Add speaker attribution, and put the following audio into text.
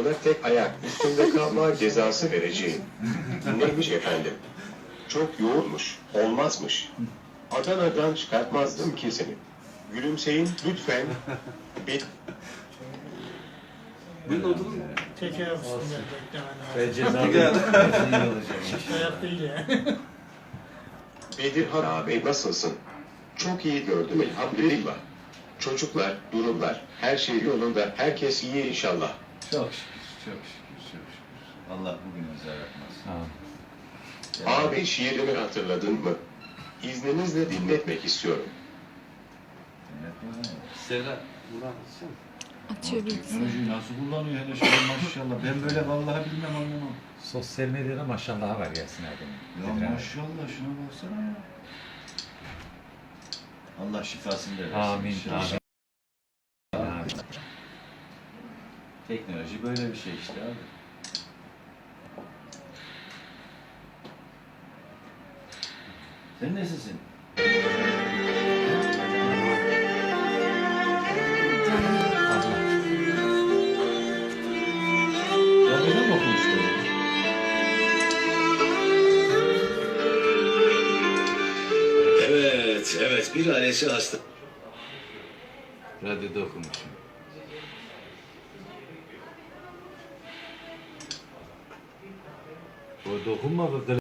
Speaker 1: Ona tek ayak üstünde kalma cezası vereceğim. Neymiş efendim? Çok yoğunmuş, olmazmış. Adana'dan çıkartmazdım ki seni. Gülümseyin lütfen.
Speaker 2: Bunun odunu
Speaker 3: Tek ayak üstünde beklemen
Speaker 4: Ve
Speaker 3: lazım.
Speaker 4: cezalı.
Speaker 3: Çift ayak değil yani.
Speaker 1: Bedirhan abi nasılsın? Çok iyi gördüm elhamdülillah. Çocuklar, durumlar, her şey yolunda, herkes iyi inşallah.
Speaker 2: çok şükür, çok şükür, çok şükür. Allah bugün bize yapmaz.
Speaker 1: Abi şiirimi hatırladın mı? İzninizle dinletmek istiyorum.
Speaker 2: Serra,
Speaker 5: Açıyor bilgisayarı.
Speaker 4: Teknolojiyi nasıl kullanıyor hele şöyle maşallah. Ben böyle vallahi bilmem anlamam.
Speaker 6: Sosyal medyada maşallah var Yasin abi.
Speaker 4: Ya maşallah şuna baksana ya.
Speaker 2: Allah şifasını da versin.
Speaker 6: Amin.
Speaker 2: inşallah.
Speaker 6: Amin.
Speaker 2: Teknoloji böyle bir şey işte abi. Sen nesisin?
Speaker 4: Ya neden okumuşlar?
Speaker 7: Evet, evet. Bir ailesi hasta.
Speaker 4: Radyoda okumuşum. O dokunmadı.